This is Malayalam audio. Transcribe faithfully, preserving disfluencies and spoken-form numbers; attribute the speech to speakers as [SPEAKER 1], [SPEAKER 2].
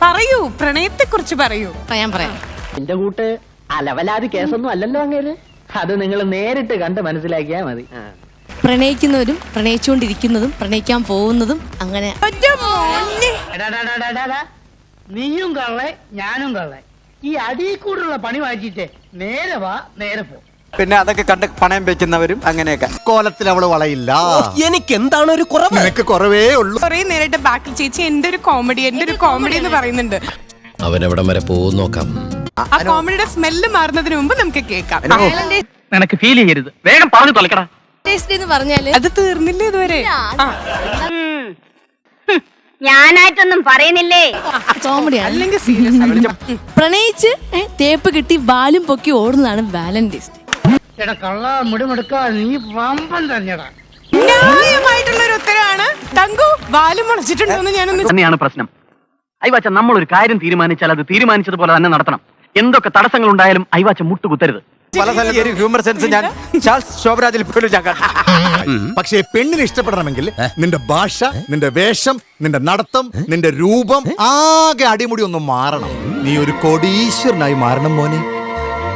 [SPEAKER 1] പറയൂ, പ്രണയത്തെ കുറിച്ച് പറയൂ.
[SPEAKER 2] ഞാൻ പറയാം.
[SPEAKER 3] എന്റെ കൂട്ട് അലവലാതി കേസൊന്നും അല്ലല്ലോ അങ്ങേര്. അത് നിങ്ങൾ നേരിട്ട് കണ്ട് മനസ്സിലാക്കിയാ മതി.
[SPEAKER 2] പ്രണയിക്കുന്നവരും പ്രണയിച്ചുകൊണ്ടിരിക്കുന്നതും പ്രണയിക്കാൻ പോകുന്നതും അങ്ങനെ.
[SPEAKER 3] നീയും കള്ളെ ഞാനും കള്ളെ. ഈ അടിയിൽ കൂടുള്ള പണി വായിച്ചിട്ട് നേരെ വാ നേരെ പോ.
[SPEAKER 4] പിന്നെ അതൊക്കെ കണ്ട് പണയം വെക്കുന്നവരും അങ്ങനെയൊക്കെ.
[SPEAKER 5] കോലത്തിൽ അവള് വളയില്ല.
[SPEAKER 6] എനിക്ക് എന്താണ് ഒരു കുറവ്?
[SPEAKER 5] നിനക്ക് കുറവേ ഉള്ളൂ.
[SPEAKER 1] കുറെ നേരിട്ട് ബാക്കിൽ ചേച്ചി എന്റെ ഒരു കോമഡി എന്റെ ഒരു കോമഡി എന്ന് പറയുന്നുണ്ട്.
[SPEAKER 6] അവനെവിടം വരെ പോകും നോക്കാം.
[SPEAKER 1] ആ കോമഡിയുടെ സ്മെല്ല് മാറുന്നതിന് മുമ്പ് നമുക്ക് കേൾക്കാം.
[SPEAKER 3] നിനക്ക് ഫീൽ ചെയ്യരുത്, വേഗം പറഞ്ഞു തൊലക്കടാ.
[SPEAKER 2] എന്ന് പറഞ്ഞാല്
[SPEAKER 1] അത് തീർന്നില്ല ഇതുവരെ.
[SPEAKER 7] ഞാനായിട്ടൊന്നും പറയുന്നില്ലേ.
[SPEAKER 2] കോമഡിയാണ്.
[SPEAKER 1] അല്ലെങ്കിൽ സീരിയസ്.
[SPEAKER 2] പ്രണയിച്ച് തേപ്പ് കിട്ടി ബാലും പൊക്കി ഓടുന്നതാണ് വാലന്റൈൻസ് ഡേ.
[SPEAKER 3] എടാ കള്ള മുടിമെടുക്ക, നീ വമ്പൻ തന്നെടാ.
[SPEAKER 1] ന്യായമായിട്ടുള്ള ഒരു ഉത്തരവാണ്. തങ്കു വാലും മുളച്ചിട്ടുണ്ടോന്ന് ഞാനൊന്ന്
[SPEAKER 3] തന്നെയാണ് പ്രശ്നം. അയ്വാച്ച നമ്മൾ ഒരു കാര്യം തീരുമാനിച്ചാൽ അത് തീരുമാനിച്ചതുപോലെ തന്നെ നടത്തണം. എന്തൊക്കെ തടസ്സങ്ങൾ ഉണ്ടായാലും അയ്വാച്ച മുട്ടുകുത്തരുത്.
[SPEAKER 4] പല സ്ഥലത്ത് ഒരു ഹ്യൂമർ സെൻസ് ഞാൻ ചാൾസ് ശോഭരാജിൽ പോലും ഞാൻ കണ്ടു.
[SPEAKER 5] പക്ഷേ പെണ്ണിനെ ഇഷ്ടപ്പെടണമെങ്കിൽ നിന്റെ ഭാഷ, നിന്റെ വേഷം, നിന്റെ നടത്തം, നിന്റെ രൂപം ആകെ അടിമുടി ഒന്ന് മാറണം. നീ ഒരു കോടീശ്വരനായി മാറണം മോനെ.